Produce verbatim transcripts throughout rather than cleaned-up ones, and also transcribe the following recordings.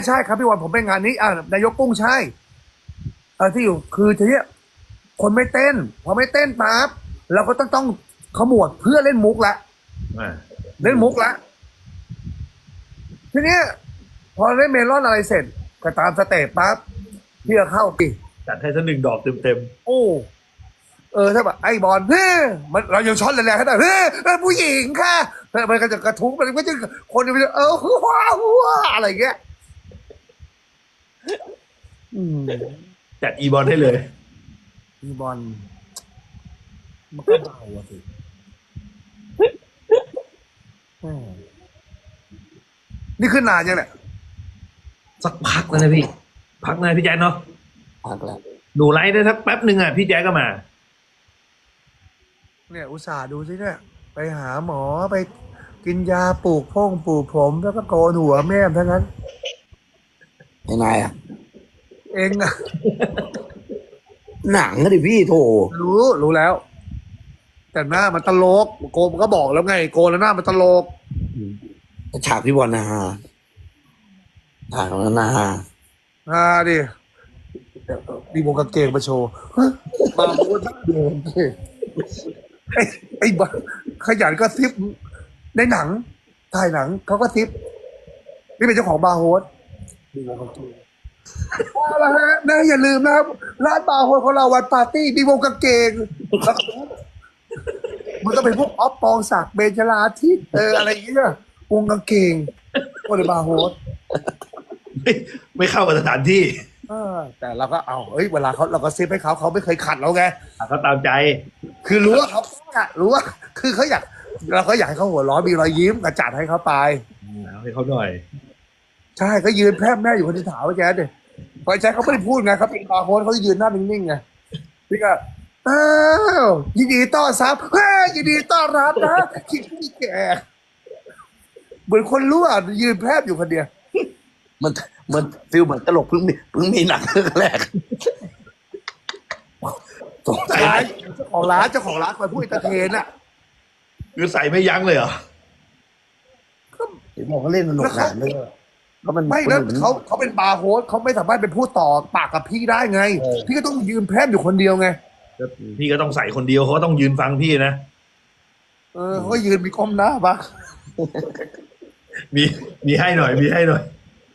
ใช่ครับพี่วันผมไปงานนี้อ่านายกกุ้งใช่เออที่อยู่คือทีเนี้ยคนไม่เต้นพอไม่เต้นปั๊บเราก็ต้องต้องขมวดเพื่อเล่นมุกละอ่าเล่นมุกละทีเนี้ยพอเล่นเมลอนอะไรเสร็จก็ตามสเตปปั๊บพี่ก็เข้าปีจัดให้สักหนึ่งดอกเต็มเต็มโอ้เออถ้าแบบไอ้บอลเฮ้ยมันเรายังช็อตแรงๆให้ได้เฮ้ยเออผู้หญิงค่ะเออมันก็จะกระทุ้งมันก็จะคนจะเออว้าวว้าอะไรเงี้ยอืมจัดอีบอลให้เลยพี่บอลมันก็เบาอะสิแหมนี่ขึ้นนานยังเนี่ยสักพักแล้วนะพี่ พักนานพี่แจ๊คเนาะพักแล้วหนูไลฟ์ได้สักแป๊บหนึ่งอ่ะพี่แจ๊คก็มาเนี่ยอุตส่าห์ดูสิเนี่ยไปหาหมอไปกินยาปลูกพ่งปลูกผมแล้วก็โกนหัวแม่มทั้งนั้นยังไงอ่ะเองอะหนังก็ดิพี่โถรู้รู้แล้ว แต่หน้ามันตลกโกนมันก็บอกแล้วไงโกนแล้วหน้ามันตลกฉากพี่บอลนะฮะฉากนั้นนะฮะอ่าดิดีวงกางเกงมาโชว์ฮะมาโคตรเดิมไอ้ไอ้บ้าขยันก็ซิปในหนังถ่ายหนังเขาก็ซิปนี่เป็นเจ้าของบาร์โฮสดีวงกางเกงเอาละฮะนะอย่าลืมนะครับร้านบาร์โฮสของเราวันปาร์ตี้ดีวงกางเกงแล้วก็มันก็เป็นพวกออฟปองศักดิ์เบญจราทิตเอออะไรอย่างเงี้ยวงกางเกงก็เลยบาร์โฮสไม่ไม่เข้ากับสถานที่เออแต่เราก็เอาเอ้ยเวลาเขาเราก็ซิปให้เขาเขาไม่เคยขัดเราไงอ่ะเขาตามใจคือรู้ว่าเขาอะรู้ว่า คือเขาอยากเราก็อยากให้เขาหัวเร้อนมีรอยยิ้มกระจัดให้เขาไปเอาให้เขาหน่อยใช่ก็ยืนแพร่แม่อยู่คนที่ถามว่าแจ๊ดเนี่ยพอแจ๊ดเขาไม่ได้พูดไงเขาเป็นบาร์โฮสเขาจะยืนหน้านิ่งๆไงพี่ก็อ้าวยินดีต้อนรับเฮ้ยยินดีต้อนรับนะคิดพี่แกเหมือนคนรู้อ่ะยืนแพร่อยู่คนเดียวมันมันฟิลเหมือนตลกเพิ่งมีเพิ่งมีหนังเรื่องแรกสงสัยร้านเจ้าของร้านเจ้าของร้านคอยพูดเอนเตอร์เทนอ่ะคือใส่ไม่ยั้งเลยเหรอเดี๋ยวบอกเขาเล่นสนุกหนานเลยก็มันไม่แล้วเขาเขาเป็นบาร์โฮสเขาไม่สามารถเป็นผู้ต่อปากกับพี่ได้ไง พี่ก็ต้องยืนแพร่อยู่คนเดียวไงพี่ก็ต้องใส่คนเดียวเขาก็ต้องยืนฟังพี่นะเออเขาก็ยืนมีก้มหน้าปะมีมีให้หน่อย มีให้หน่อย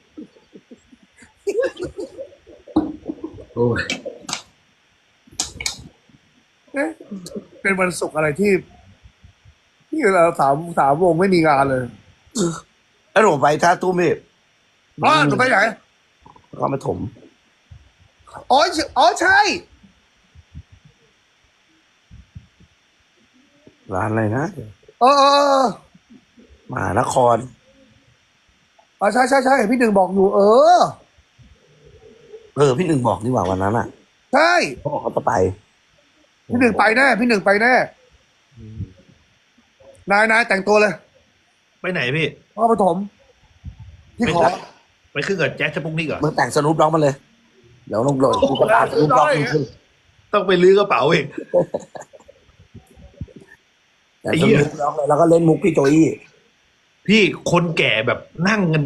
โอ้ยเอ๊ะเป็นวันศุกร์อะไรที่ที่เราสามสามวงไม่มีงานเลยแล้วผมไปท่าตู้เมฆอ๋อหนูไปไหนก็มาถมอ๋ออ๋อใช่ร้านอะไรนะเออเออเออมหานครอ๋อใช่ใช่ใช่พี่หนึ่งบอกอยู่ เออเออพี่หนึ่งบอกนี่หว่าวันนั้นอ่ะใช่เขาบอกเขาจะไปพี่หนึ่งไปแน่พี่หนึ่งไปแน่นายนายแต่งตัวเลยไปไหนพี่พ่อปฐมพี่ขอไปขึ้นกับแจ็คสปุกนิกเหรอมึงแต่งสนุปด็อกมาเลย เดี๋ยวลงโหลดกูก็ตามสนุปด็อกมึงขึ้นต้องไปลื้อกระเป๋าอีกแต่สนุปด็อกเลยแล้วก็เล่นมุกพี่โจอี้พี่คนแก่แบบนั่งกัน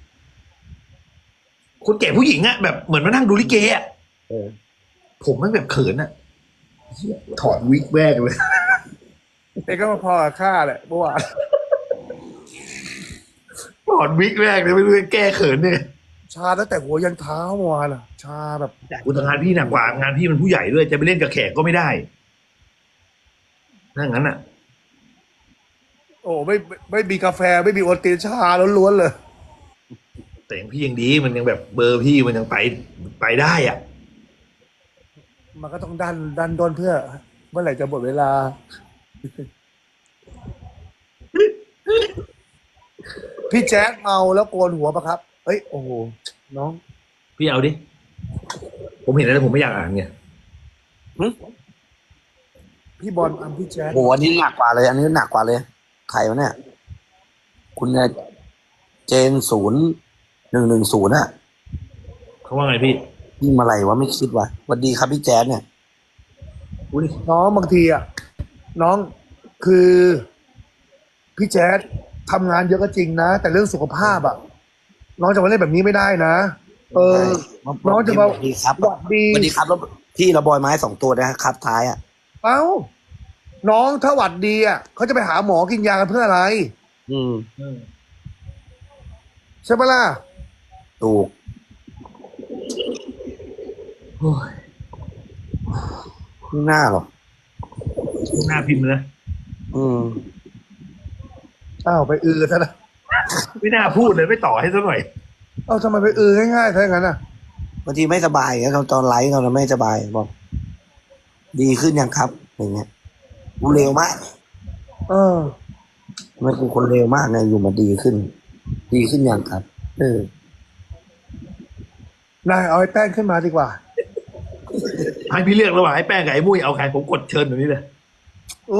คนแก่ผู้หญิงอะแบบเหมือนมานั่งดูลิเกอะเออผมมันแบบเขินอะถอดวิกแวกเลยเด็กก็มาพอกับข้าแหละเมื่อวานถอดวิกแวกเลยไม่รู้จะแก้เขินเนี่ยชาตั้งแต่หัวยันเท้าเมื่อวานอ่ะ ชาแบบอุตงานพี่หนักกว่างานพี่มันผู้ใหญ่ด้วยจะไปเล่นกับแขกก็ไม่ได้ถ้างั้นอะโอ้ไม่ไม่ไม่มีกาแฟไม่มีโอวัลตินชาล้วนๆเลยแต่อย่างพี่ยังดีมันยังแบบเบอร์พี่มันยังไปไปได้อ่ะมันก็ต้องดันดันด้นเพื่อ เมื่อไหร่จะหมดเวลา พี่แจ๊คเมาแล้วโกนหัวปะครับ เอ้ยโอ้โหน้องพี่เอาดิ ผมเห็นแล้วผมไม่อยากอ่านไงพี่บอลอัมพี่แจ๊คโหอันนี้หนักกว่าเลย อันนี้หนักกว่าเลยใครวะเนี่ย คุณเนี่ยเจนศูนย์หนึ่งหนึ่งศูนย์อะเขาว่าไงพี่ยิ่งมาอะไรวะไม่คิดวะสวัสดีครับพี่แจ๊ดเนี่ยอุ้ยน้องบางทีอ่ะน้องคือ พี่แจ๊คทำงานเยอะก็จริงนะ แต่เรื่องสุขภาพอ่ะน้องจะมาเล่นแบบนี้ไม่ได้นะ เออ น้องจะมาสวัสดีครับหวัดดีสวัสดีครับแล้วพี่ระบอยไม้สองตัวนะครับท้ายอ่ะเอ้า น้องถ้าหวัดดีอ่ะเขาจะไปหาหมอกินยากันเพื่ออะไรอืมอืมใช่ปะล่ะถูกโอ้ยไม่น่าหรอกหน้าพิมพ์นะอืมอ้าวไปอือซะนะไม่น่าพูดเลยไม่ต่อให้สักหน่อยเอ้าทำไมไปอือง่ายๆถ้าอย่างนั้นอ่ะบางทีไม่สบายอย่างเงี้ยตอนไลฟ์เราไม่สบายบอกดีขึ้นยังครับอย่างเงี้ยกูเร็วมากเออมันคือคนเร็วมากไงอยู่มาดีขึ้น ดีขึ้นยังครับ เออนายเอาไอ้แป้งขึ้นมาดีกว่าให้พี่เลือกระหว่างไอ้แป้งกับไอ้มุ้ยเอาใครผมกดเชิญแบบนี้เลยโอ้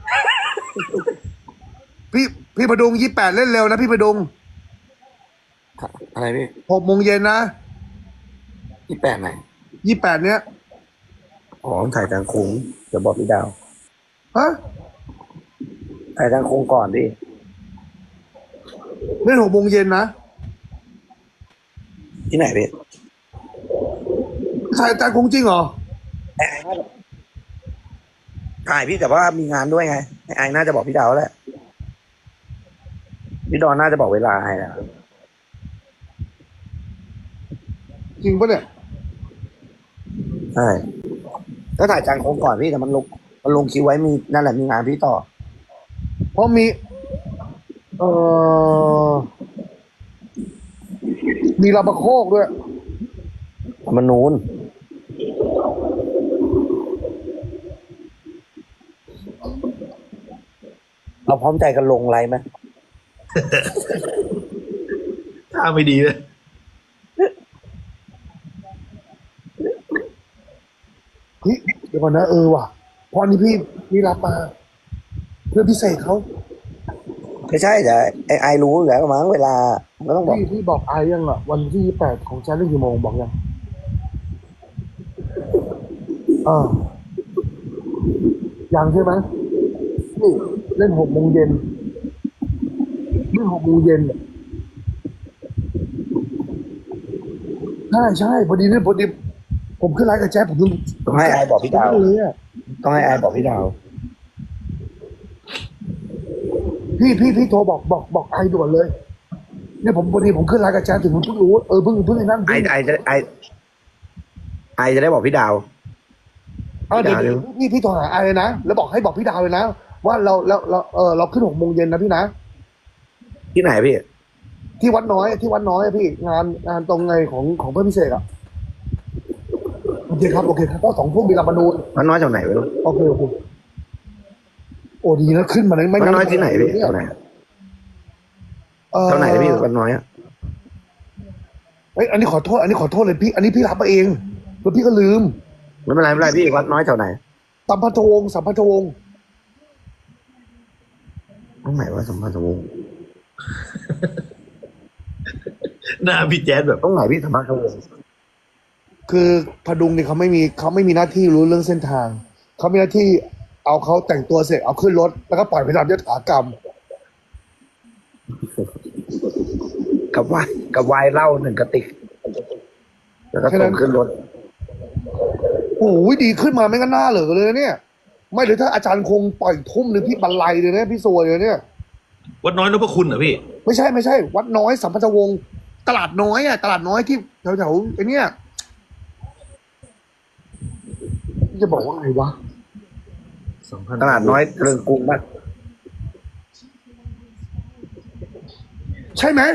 พี่พี่ประดุงยี่แปดเล่นเร็วนะพี่ประดุงอะไรพี่หกโมงเย็นนะที่แปดไหนยี่แปดเนี้ยอ๋อถ่ายทางโค้งเดี๋ยวบอกพี่ดาวฮะถ่ายทางโค้งก่อนดิเล่นหกโมงเย็นนะที่ไหนพี่ใช่แต่คงจริงเหรอถ่ายพี่แต่ว่ามีงานด้วยไงไอ้ไอน่าจะบอกพี่ดาวแหละพี่ดอนน่าจะบอกเวลาให้แล้วจริงปะเนี่ยใช่ก็ถ่ายจางโค้งก่อนพี่แต่มันลงมันลงคิวไว้มีนั่นแหละมีงานพี่ต่อเพราะมี เอ่อ มีลาบะโคกด้วยมันนูนเราพร้อมใจกันลงไลน์ไหมถ้าไม่ดีเลยเฮ้ยเดี๋ยวก่อนนะเออว่ะเพราะอันนี้พี่พี่รับมา เพื่อพิเศษเขาไม่ใช่แต่ไอไอรู้อยู่แล้วมั้งเวลามันก็ต้องบอกพี่พี่บอกไอยังอ่ะ วันที่ยี่แปดของฉันเล่นกี่โมงบอกยังอ่ายังใช่ไหมนี่เล่นหกโมงเย็นเล่นหกโมงเย็นใช่ใช่พอดีเนี่ยพอดีผมขึ้นไลฟ์กับแจ๊บผมต้องให้ไอบอกพี่ดาวเลยอ่ะต้องให้ไอบอกพี่ดาวพี่พี่พี่โทรบอกบอกบอกไอด่วนเลยเนี่ยผมพอดีผมขึ้นไลฟ์กับแจ๊บถึงผมเพิ่งรู้เออเพิ่งเพิ่งไอ้นั่นไอไอจะไอไอจะได้บอกพี่ดาวเอาเดี๋ยวพี่ดาวเดี๋ยวพี่พี่โทรหาไอเลยนะแล้วบอกให้บอกพี่ดาวเลยนะว่าเราเราเราเออเราขึ้นหกโมงเย็นนะพี่นะที่ไหนพี่ที่วัดน้อยที่วัดน้อยอะพี่งานงานตรงไงของของเพื่อนพิเศษอ่ะโอเคครับโอเคครับก็สองทุ่มมีลาบานูนมันน้อยจากไหนไม่รู้โอเคโอเคโอ้ดีนะขึ้นมาเลยไม่มันงั้นน้อยที่ไหนพี่เยเท่าไหนเอ่อเท่าไหนพี่มันน้อยอ่ะเอ้ยอันนี้ขอโทษอันนี้ขอโทษเลยพี่ อันนี้พี่รับมาเองแล้วพี่ก็ลืมไม่เป็นไรไม่เป็นไรพี่วัดน้อยแถวไหนสัมพันธวงศ์สัมพันธวงศ์ตรงไหนวะสมภารวงศ์หน้าพี่แจ๊ดแบบตรงไหนพี่สมภารวงศ์คือพดุงเนี่ยเขาไม่มีเขาไม่มีหน้าที่รู้เรื่องเส้นทางเขามีหน้าที่เอาเขาแต่งตัวเสร็จเอาขึ้นรถแล้วก็ปล่อยไปทำยถากรรมกับวายกับวายเหล้าหนึ่งกระติก แล้วก็ส่งขึ้นรถโอ้ยดีขึ้นมาไม่งั้นหน้าเหลือเลยนะเนี่ย ไม่หรือถ้าอาจารย์คงปล่อยทุ่มหรือพี่บรรลัยเลยนะพี่ซวยเลยเนี่ยวัดน้อยนพคุณเหรอพี่ไม่ใช่ไม่ใช่ วัดน้อยสัมพันธวงศ์ตลาดน้อยอ่ะตลาดน้อยที่แถวแถวๆไอ้เนี่ยจะบอกว่าไงวะสองพันตลาดน้อยเรืองกรุงบ้างใช่ไหม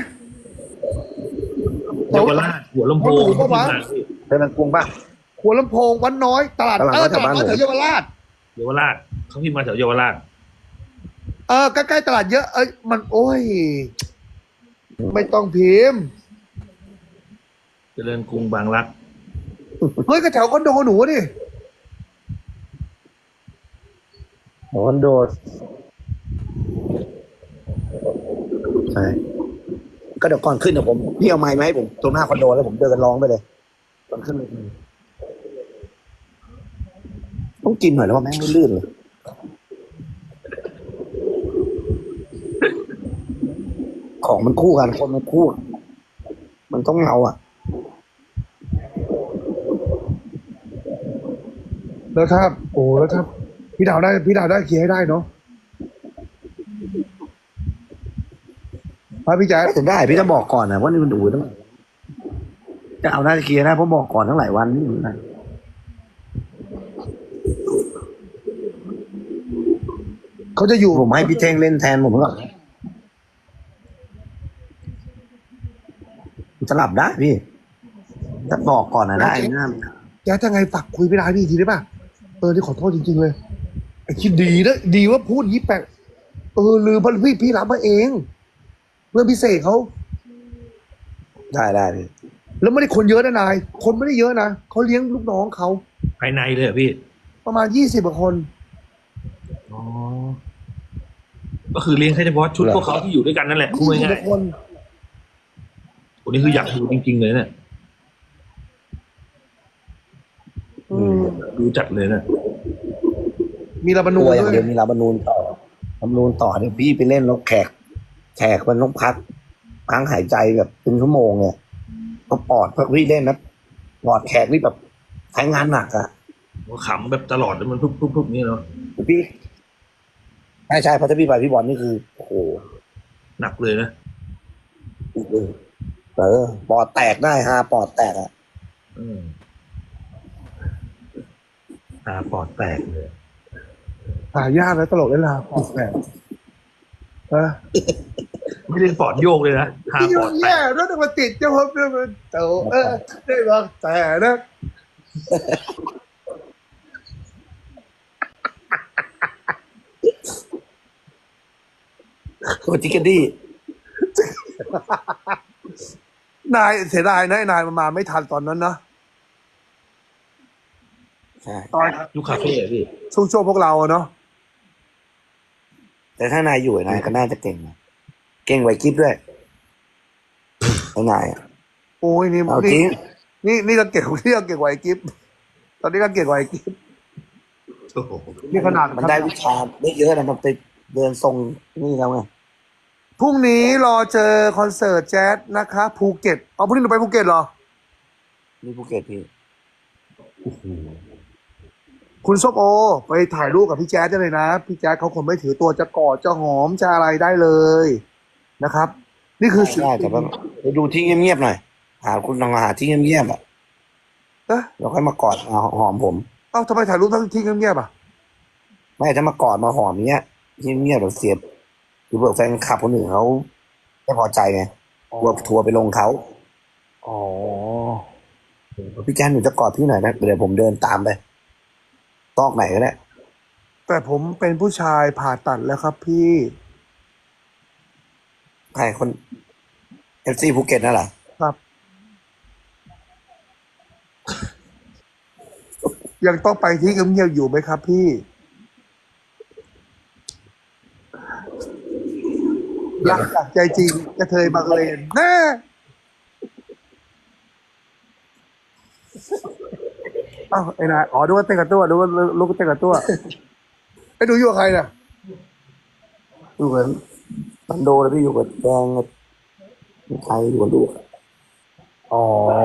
เยาวราชหัวลำโพงหัวลำโพงปะวะเรืองกรุงบ้างหัวลำโพงวัดน้อยตลาดตลาดเอน้ออยตลาดน้อยแถแถววบ้านเยาวราชเยาวราชเขาพิมพ์มาแถวเยาวราชเออใกล้ๆตลาดเยอะเอ้ยมันโอ้ย ไม่ต้องพิมพ์เจริญกรุงบางรักเฮ้ยก็แถวคอนโดหนูดิคอนโดใช่ก็เดี๋ยวก่อนขึ้นเดี๋ยวผมพี่เอาไม้มาให้ผมตรงหน้าคอนโดแล้วผมเดินร้องไปเลยตอนขึ้นเลยต้องกินหน่อยแล้วว่าแม่งไม่ลื่นเลยของมันคู่กันคนมันคู่มันต้องเอาอ่ะแล้วถ้าโอ้แล้วถ้าพี่ดาวได้พี่ดาวได้เคลียร์ให้ได้เนาะพระพี่แจ๊คจะได้พี่จะบอกก่อนนะว่านี่มันดูต้องจะเอาหน้าจะเคลียร์ได้เพราะบอกก่อนทั้งหลายวันนี่นะเขาจะอยู่ผมให้พี่เท่งเล่นแทนผมก่อนจะหลับได้พี่จะบอกก่อนนะได้นะแจ๊คจะไงฝากคุยพี่ดาวพี่อีกทีได้ป่ะเออที่ขอโทษจริงๆเลยไอ้คิดดีนะดีว่าพูดยี่แปลกเออลืมเพราะพี่พี่รับมาเองเพื่อนพิเศษเขาได้ได้พี่แล้วไม่ได้คนเยอะนะนาย คนไม่ได้เยอะนะเขาเลี้ยงลูกน้องเขาภายในเลยเหรอพี่ประมาณยี่สิบกว่าคนอ๋อก็คือเลี้ยงแค่เฉพาะชุดพวกเขาที่อยู่ด้วยกันนั่นแหละพูดยี่สิบกง่ายว่าคนๆคนนี้คืออยากดูจริงๆเลยเนี่ยอืมดูจัดเลยเนี่ยมีลาบานูตันวอย่างด้วเดียยวมีรัฐธรรมนูญต่อรัฐธรรมนูญต่อเนี่ยพี่ไปเล่นแล้วแขก แขกมันต้องพักพักหายใจแบบเป็นชั่วโมงเนี่ยก็ปอดเพราะพี่เล่นนะปอดแขกนี่แบบใช้งานหนักอะขำแบบตลอดแล้วมันพุบๆๆนี่เนาะพี่ใช่ใช่เพราะถ้าพี่ไปพี่บอลนี่คือโอ้โหหนักเลยนะเออปอดแตกได้ฮะปอดแตกอะอืมตาปอดแตกเลยหายากนะตลกเล่นลาปอดแตกเออไม่ได้ปอดโยกเลยนะตาที่ปยุ่อดงแตแย่กแล้วต้องมาติดเจ้าพบเนี่ยมันเต๋อเออได้บอกแต่นะโคจิกดี้นายเสียดายนะไอ้นายมันมาไม่ทันตอนนั้นนะใช่ตอนยุคคาเฟ่อะพี่ช่วงช่วงพวกเราอะเนาะแต่ถ้านายอยู่นายก็น่าจะเก่งนะเก่งไหวกิ๊บด้วยไอ้นายอะโอ้ยนี่เอาจรินี่งนี่นี่ก็เก่งนี่ก็เก่งกว่าไอ้กิฟตอนนี้ก็เก่งกว่าไอ้กิฟโอ้โหนี่ขนาดมันได้วิชาได้เยอะนะมันไปเดินทรงนี่แล้วไงพรุ่งนี้รอเจอคอนเสิร์ตแจ๊สนะคะภูเก็ตเอาพรุ่งนี้หนูไปภูเก็ตเหรอนี่ภูเก็ตพี่คุณส้มโอ ไปถ่ายรูปกับพี่แจ๊สได้เลยนะ พี่แจ๊สเขาคงไม่ถือตัวจะกอดจะหอมจะอะไรได้เลยนะครับ นี่คือสิ่งได้แต่ว่าไปดูที่เงียบๆหน่อยหาคุณลองหาที่เงียบๆอ่ะเอ๊ะแล้วค่อยมากอดมาหอมผมเอ้าทำไมถ่ายรูปทั้งที่เงียบๆอ่ะไม่ถ้ามากอดมาหอมเนี้ยที่เงียบแบบเสียบหรือเผื่อแฟนคลับคนอื่นเขาไม่พอใจไงกลัวทัวร์ไปลงเขาอ๋อพี่แจ๊นหนูจะกอดพี่หน่อยนะเดี๋ยวผมเดินตามไปตอกไหนก็ได้แต่ผมเป็นผู้ชายผ่าตัดแล้วครับพี่ใครคนเอฟซีภูเก็ตนั่นเหรอครับ ยังต้องไปที่เงียบๆอยู่ไหมครับพี่ รักจากใจจริงกระเทยบังเลนแน่เอ้าไอ้นายอ๋อดูว่าเต้นกับตัวดูว่าลูกเต้นกับตัวไอ้ดูอยู่กับใครน่ะอยู่กับบันโดแล้วพี่อยู่กับแดงกับใครอยู่กับลูกอ๋อ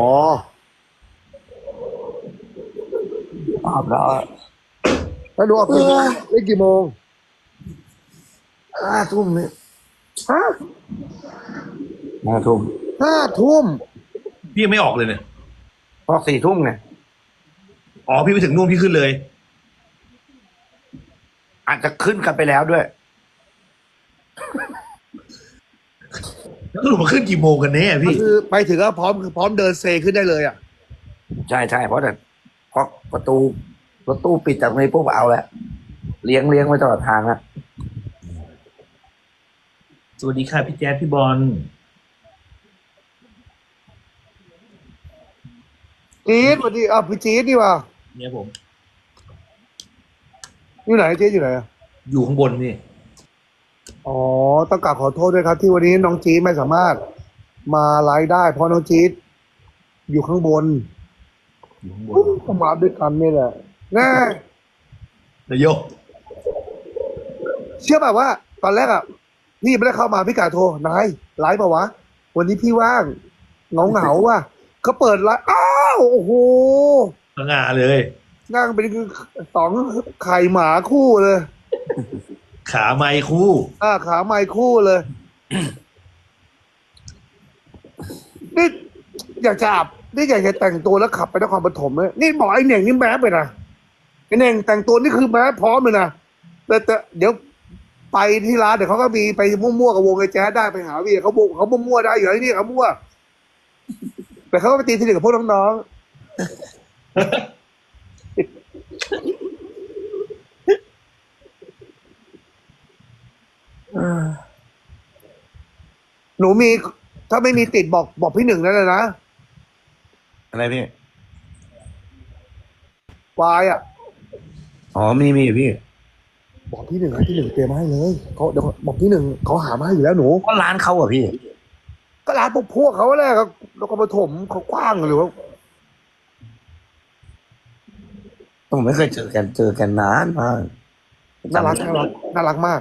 ตอบแล้วแล้วดูออกไปได้กี่โมงห้าทุ่มเนี่ยฮะห้าทุ่มห้าทุ่มพี่ยังไม่ออกเลยเนี่ยพอสี่ทุ่มไงอ๋อพี่ไปถึงนู่นพี่ขึ้นเลยอาจจะขึ้นกันไปแล้วด้วยแล้วสรุปมาขึ้นกี่โมงกันแน่ก็พี่คือไปถึงก็พร้อมคือพร้อมเดินเซขึ้นได้เลยอ่ะใช่ใช่เพราะแต่เพราะประตูรถตู้ปิดจากตรงนี้ปุ๊บเอาแหละเลี้ยงเลี้ยงไว้ตลอดทางอะสวัสดีค่ะพี่แจ๊ดพี่บอลจี๊ดสวัสดีอ่ะพี่จี๊ดดีว่าเนี่ยผมอยู่ไหนจี๊ดอยู่ไหนอ่ะอยู่ข้างบนพี่อ๋อต้องกราบขอโทษด้วยครับ ที่วันนี้น้องจี๊ดไม่สามารถมาไลฟ์ได้ เพราะน้องจี๊ดอยู่ข้างบนอยู่ข้างบนก็มาด้วยกันนี่แหละแน่นายกเชื่อแบบว่า ตอนแรกอ่ะพี่ไม่ได้เข้ามาพี่กาโทรนายไลฟ์เปล่าวะวันนี้พี่ว่างเหงาเหงาๆว่ะเขาเปิดร้านอ้าวโอ้โหสง่าเลยนั่งเป็นสองไข่หมาคู่เลยขาไม้คู่อ่าขาไม้คู่เลย นี่อยากจะอาบนี่อยากจะแต่งตัวแล้วขับไปนครปฐมเลยนี่บอกไอ้เหน่งนี่แมสไปนะไอ้เหน่งแต่งตัวนี่คือแมสพร้อมเลยนะแต่แต่เดี๋ยวไปที่ร้านเดี๋ยวเขาก็มีไปมั่วๆกับวงไอ้แจ๊สได้ไปหาวีเขาบุกเขามั่วๆได้อยู่แล้วนี่เขามั่วแต่เขาก็ไปตีสนิทกับพวกน้องๆหนูมีถ้าไม่มีติดบอกบอกพี่หนึ่งนั่นเลยนะอะไรพี่วายอ่ะอ๋อมีมีพี่บอกพี่หนึ่งให้พี่หนึ่งเตรียมมาให้เลยเขาเดี๋ยวบอกพี่หนึ่งเขาหามาให้อยู่แล้วหนูก็ร้านเขาอะพี่ก็ร้านพวกพวกเขาแหละก็แล้วก็ปฐมเขากว้างหรือว่าผมไม่เคยเจอกันเจอกันนานมากน่ารักน่ารักน่ารักมาก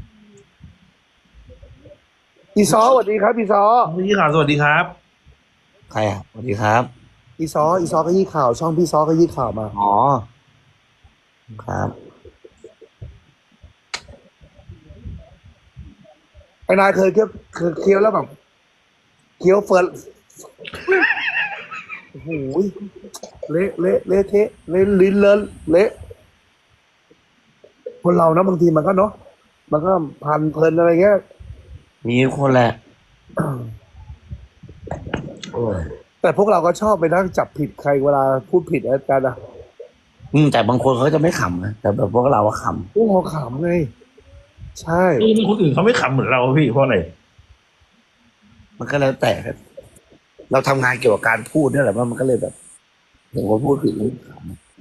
อีซอสวัสดีครับอีซอพี่ข่าวสวัสดีครับใครอะสวัสดีครับอีซออีซอก็ยี่ข่าว ช่องพี่ซอก็ยี่ข่าวมาอ๋อครับไอ้นายเคยเคี้ยวเคยเคี้ยวแล้วแบบเคี้ยวเฟิร์นโอ้โหเละเละเละเทะเละลิ้นเลินเละคนเรานะบางทีมันก็เนาะมันก็พันเพลินอะไรเงี้ยมีคนแหละโอ้ยแต่พวกเราก็ชอบไปนั่งจับผิดใครเวลาพูดผิดอะไรกันอะอืมแต่บางคนเขาจะไม่ขำนะแต่แบบพวกเราอะขพวกเราขำไงใช่เออคนอื่นเขาไม่ขำเหมือนเราพี่เพราะอะไรำมันก็แล้วแต่ครับเราทำงานเกี่ยวกับการพูดนี่แหละว่ามันก็เลยแบบเห็นคนพูดผิดแล้วข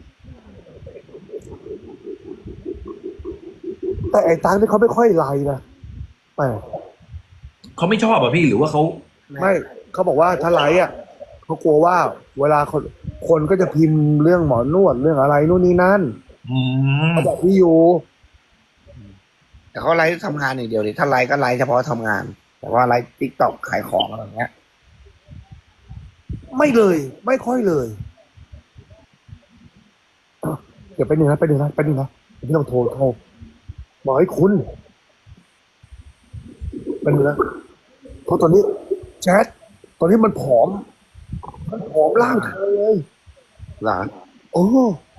แต่ไอ้ตังนี่เขาไม่ค่อยไลน์นะแปลกเขาไม่ชอบอ่ะพี่หรือว่าเขาไม่เขาบอกว่าถ้าไลน์อ่ะเขากลัวว่า เวลาคนคนก็จะพิมพ์เรื่องหมอนวดเรื่องอะไรนู่นนี่นั่นอืมเขาบอกพี่อยู่ำแต่เขาไลฟ์ทำงานอย่างเดียวดิถ้าไลฟ์ก็ไลฟ์เฉพาะทำงาน แต่ว่าไลฟ์ติ๊กต็อกขายของอะไรอย่างเงี้ยไม่เลย ไม่ค่อยเลยอ่ะเดี๋ยวไปหนึ่งนะไปหนึ่งนะไปหนึ่งนะพี่ต้องโทรโทรบอกให้คุณเป็นงนะเพราะตอนนี้แชทตอนนี้มันผอมมันผอมร่างเธอเลยหรอโอ้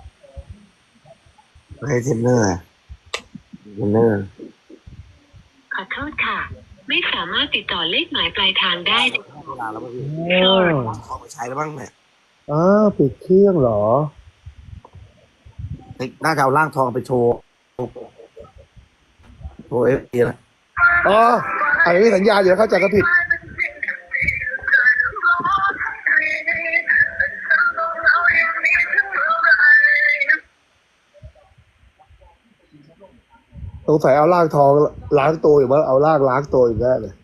ให้เทรนเนอร์อะเทรนเนอร์ขอโทษค่ะ ไม่สามารถติดต่อเลขหมายปลายทางได้เวลาแล้วป่ะพี่เออขอไปใช้แล้วบ้างเนี่ยอ้าวปิดเครื่องเหรอเฮ้ยน่าจะเอาร่างทองไปโชว์โชว์เอฟดีละอ๋ออันนี้สัญญาเดี๋ยวเข้าใจก็ผิด สงสัยเอาลากทองล้างตัวอยู่มั้งเอาลากล้างตัวอยู่แน่เลย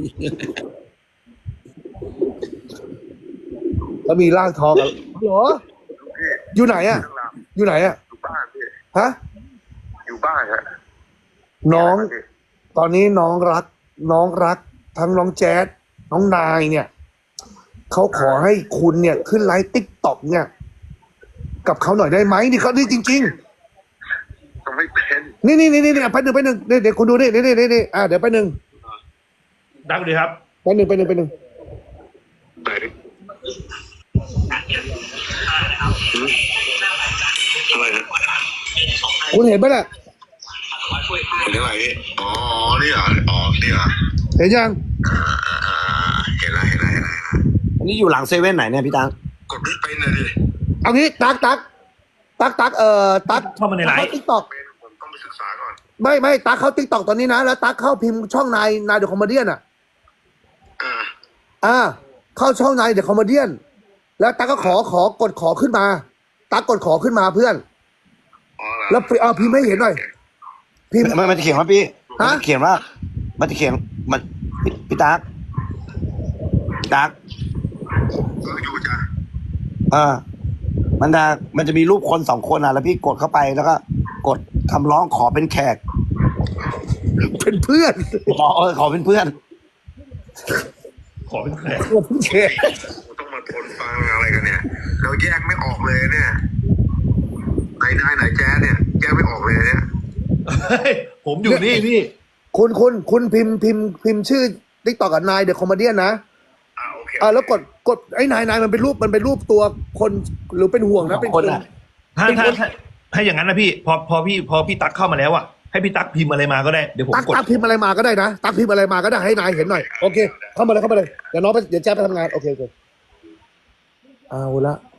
แล้วมีลากทองกันเหรอ อยู่ไหนอ่ะ อยู่ไหนอ่ะอยู่บ้านพี่ฮะอยู่บ้านฮะน้องพี่ตอนนี้น้องรัก น้องรัก ทั้งน้องแจ๊ดน้องนายเนี่ยเขาขอให้คุณเนี่ยขึ้นไลฟ์ติ๊กต็อกเนี่ย กับเขาหน่อยได้ไหมนี่เขานี่จริง ๆต้องไม่เป็นนี่นี่นี่นี่ไปหนึ่งไปหนึ่งเดี๋ยวเดี๋ยวคุณดูนี่นี่นี่นี่นี่อ่าเดี๋ยวไปหนึ่งดังเลยครับไปหนึ่งไปหนึ่งไปหนึ่งไหนอะไรนะคุณเห็นไหมล่ะเห็นอะไรพี่อ๋อนี่เหรออ๋อนี่เหรอเห็นยังอ่าอ่าอ่าเห็นแล้วเห็นแล้วเห็นแล้วอันนี้อยู่หลังเซเว่นไหนเนี่ยพี่ตังกดไม่เป็นเลยดิเอางี้ตักตักตักตักเอ่อตักเข้ามาในไลฟ์ติ๊กต็อกเป็นผมต้องไปศึกษาก่อนไม่ไม่ตักเข้าติ๊กต็อกตอนนี้นะแล้วตักเข้าพิมพ์ช่องนายนายเดอะคอมเมเดี้อ่ะอ่าอ่า เข้าช่องนายเดอะคอมเมเดี้แล้วตักก็ขอขอกดขอขึ้นมาตักกดขอขึ้นมาเพื่อนอ๋อเหรอแล้วเอาพิมพ์ให้เห็นหน่อยพิมพ์มันมันจะเขียนว่าพี่ฮะมันจะเขียนว่า มันจะเขียนมันพี่พี่ตักพี่ตักก็อยู่จ้ะเออมันจะมันจะมีรูปคนสองคนอ่ะ แล้วพี่กดเข้าไปแล้วก็กดคำร้องขอเป็นแขกเป็นเพื่อนขอเออขอเป็นเพื่อนขอขอเป็นแขกโอ้พี่เคต้องมาทนฟังอะไรกันเนี่ย เราแยกไม่ออกเลยเนี่ยไหนนายไหนแจ๊สเนี่ยแยกไม่ออกเลยเนี่ยเฮ้ยผมอยู่นี่พี่คุณคุณคุณพิมพ์พิมพ์พิมพ์ชื่อติ๊กต็อกกับนายเดอะคอมเมดี้นะอ่าโอเคอ่าแล้วกดกดไอ้นายนายมันเป็นรูปมันเป็นรูปตัวคนหรือเป็นห่วงนะเป็นคนอ่ะถ้าเป็นถ้าคนถ้าถ้าอย่างนั้นนะพี่ พอพอพี่พอพี่ตั๊กเข้ามาแล้วอ่ะให้พี่ตั๊กพิมพ์อะไรมาก็ได้เดี๋ยวผมตักกดตักพิมพ์อะไรมาก็ได้นะตักพิมพ์อะไรมาก็ได้ให้นายเห็นหน่อยโอเคเข้ามาเลยเข้ามาเลยเดี๋ยวน้องไปเดี๋ยวแจ๊บไปทำงานโอเคโอเคเอาละ